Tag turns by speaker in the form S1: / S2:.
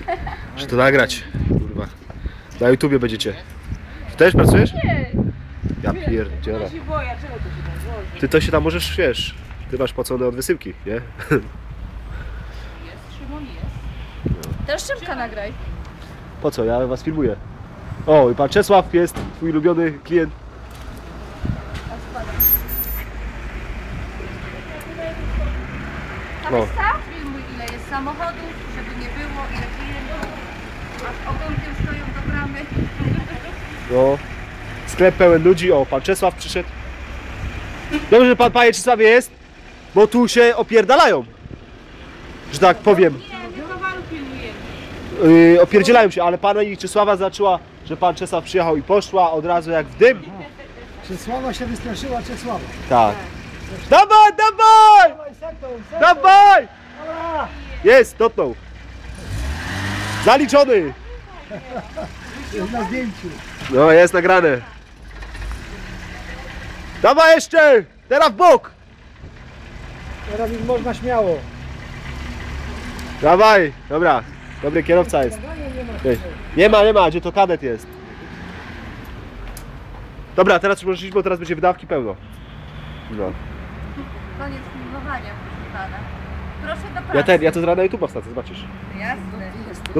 S1: Muszę to nagrać, kurwa. Na YouTubie będziecie. Ty też pracujesz?
S2: Nie.
S1: Ja pierdzielę.
S2: Ja się boję, czego to się tam złoży?
S1: Ty to się tam możesz, wiesz, ty masz płacone od wysyłki, nie?
S2: Jest, Szymon jest. Też Szymka nagraj.
S1: Po co? Ja was filmuję. O, i pan Czesław jest, twój ulubiony klient.
S2: No. Filmuj, ile jest samochodów, żeby nie było, ile klientów. Aż ogonkiem stoją do bramy.
S1: No. Sklep pełen ludzi. O, pan Czesław przyszedł. Dobrze, że pan, panie Czesławie, jest, bo tu się opierdalają. Że tak powiem.
S2: Nie, my towaru pilnujemy.
S1: Opierdzielają się, ale pani Czesława zaczęła, że pan Czesław przyjechał i poszła od razu jak w dym.
S3: Czesława się wystraszyła Czesława.
S1: Tak. Dawaj, dawaj!
S3: Dawaj, sektor.
S1: Dawaj!
S3: Dobra.
S1: Jest, dotknął. Zaliczony.
S3: Jest na zdjęciu.
S1: No, jest nagrane. Dawaj jeszcze! Teraz w bok!
S3: Teraz już można śmiało.
S1: Dawaj! Dobra, dobry kierowca jest. Nie ma, gdzie to kadet jest. Dobra, teraz już możesz iść, bo teraz będzie wydawki pełno. No.
S2: Koniec filmowania, proszę pana. Proszę do pracy.
S1: Ja to zaraz na YouTube'a wstacę, zobaczysz.
S2: Jasne.